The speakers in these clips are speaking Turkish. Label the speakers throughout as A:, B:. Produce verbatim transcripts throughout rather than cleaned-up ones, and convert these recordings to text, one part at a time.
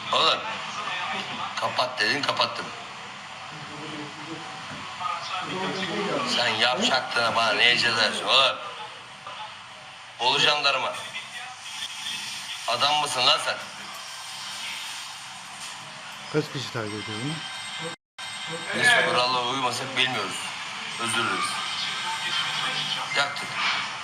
A: Oğlum kapat dedin kapattım. Sen yapacaktın bana ne cezersin oğlum? Bolu jandarma. Adam mısın lan sen?
B: Kaç kişi takip ediyor bunu?
A: Biz kurallara uymasak bilmiyoruz. Özür dileriz. Yaktık.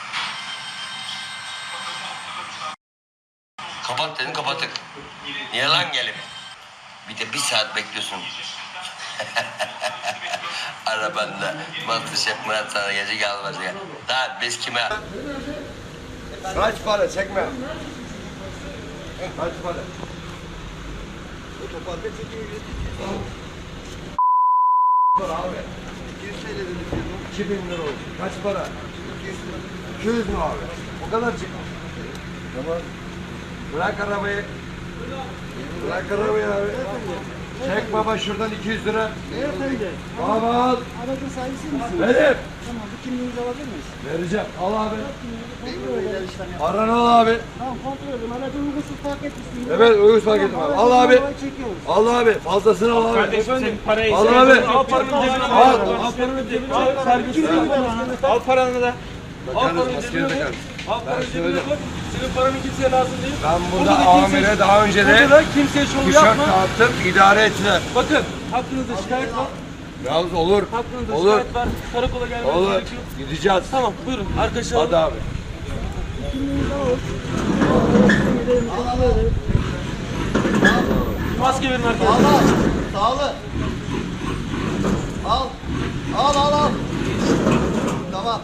A: Kapat dedin kapattık. Niye lan gelip? Bir de bir saat bekliyorsun. Arabanda Masterchef Murat sana gece gelmez ya. Daha biz kime?
C: Kaç para çekme. Kaç para? Otoparka çekiyor. Para abi. iki yüz T L dedik. iki bin lira oldu. Kaç para? iki yüz mü abi? O kadar çıkma. Tamam. Bırak arabayı. Bırak arabayı abi. Çek baba şuradan iki yüz lira.
D: Beyefendi.
C: Baba al.
D: Aracın sahibi misiniz?
C: Benim.
D: Tamam, bu kimliğinizi alabilir miyiz?
C: Vereceğim. Al abi.
D: Kontrol edelim işlemi.
C: Paranı al abi.
D: Tamam, kontrol edelim. Aracı uygunsuz park etmişsiniz.
C: Evet uyuz fark ettim abi. Al abi.
D: Çekiyoruz.
C: Al abi. Fazlasını al abi.
E: Kardeşim parayı
C: Al abi.
E: Al paranın cebine.
C: Al.
E: Al paranın cebine. Al servis. Al paranı da. Al paranın cebine koy. Al paranın cebine koy. Senin paranın kimseye lazım değil.
C: Ben burada
E: Burada da kimse-
C: amire daha önce
E: Burada
C: de
E: da kimseye şov
C: tişört
E: yapma.
C: dağıttım. İdare ettiler.
E: Bakın hakkınızda şikayet var.
C: Yalnız olur.
E: Hakkınızda
C: Olur.
E: şikayet var. Karakola gelmeniz
C: Olur.
E: gerekiyor.
C: Gideceğiz.
E: Tamam buyurun arkadaşlar.
C: Hadi abi.
D: Kimliğinizi alalım. Gidelim, kontrol edelim.
E: Maske verin arkadaşlar.
F: Al al. Sağlı. Al. Al al al. Tamam.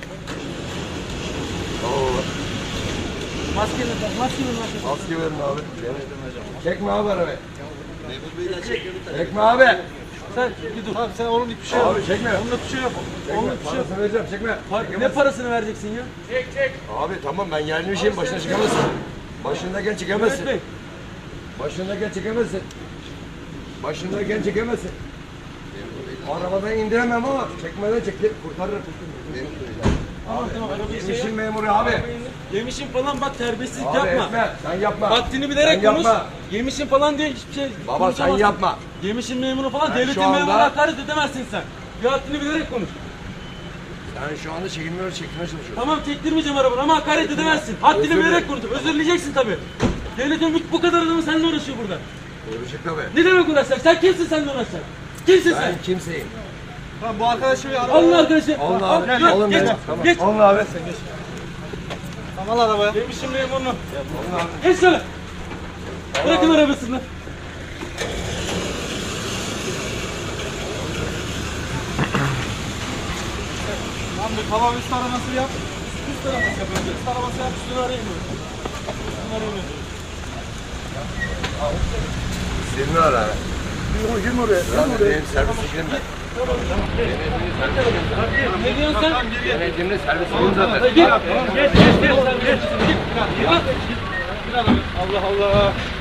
E: Maske verin. Maske verin arkadaşlar.
C: Maske verin abi. Çekme abi arabayı. Çekme abi.
E: Sen bir dur. Tamam sen onun bir şey yok.
C: Abi çekme.
E: Onunla bir şey yok. Onunla
C: Çekme.
E: bir şey yok.
C: Parasını vereceğim. Çekme.
E: Par- Ne parasını vereceksin ya?
C: Abi tamam ben yerli bir şeyim. Başına çıkamazsın. Başındayken çıkamazsın.
E: Mehmet Bey.
C: Başındayken çekemezsin. Başındayken çekemezsin. Arabadan indiremem ama çekmeden çekti. Kurtarırım.
E: Tamam tamam. Arabayı şey
C: Yemişim
E: yap.
C: memuru abi.
E: Yemişim falan bak terbiyesizlik
C: Abi
E: yapma.
C: etme. Sen yapma.
E: Haddini bilerek
C: Sen
E: konuş.
C: yapma.
E: Yemişim falan diye hiçbir şey
C: Baba sen
E: konuşamazsın.
C: yapma.
E: Yemişim memuru falan
C: Ben
E: devletin
C: şu anda-
E: memuruna hakaret edemezsin sen. Bir haddini bilerek konuş.
C: Sen şu anda çekilmiyor, çekmeye çalışıyorsun.
E: Tamam çektirmeyeceğim arabanı ama hakaret edemezsin. Haddini
C: Özür
E: bilerek
C: dilerim.
E: konuş. Özür dileyeceksin tabii. Devletin bu- bu kadar adamı seninle uğraşıyor burada.
C: Uğraşık tabii.
E: Ne demek uğraşacak? Sen kimsin seninle uğraşacak? Kimsin sen?
C: Ben kimseyim.
F: Tamam bu arkadaşı bir araba.
E: Alın arkadaşı.
C: Alın
E: Al,
C: abi.
E: gel,
C: Alın
E: geç,
C: beni. Tamam.
E: geç.
C: Alın abi.
F: Tamam al arabaya.
E: Yemişim memurunu. Geç şöyle. Bırakın arabasını.
F: Tamam bir tamam üst araması yap.
E: Üst araması yapıyoruz. Üst araması yap. Üstünü arayamıyoruz. Üstünü arayamıyoruz.
C: Senin ara. Girme oraya. Girme oraya. Benim servise girme.
E: Ne diyorsun sen?
C: Yönetimde servisim zaten.
E: Git. Geç. Geç. Geç. Geç. Git. Git. Allah Allah.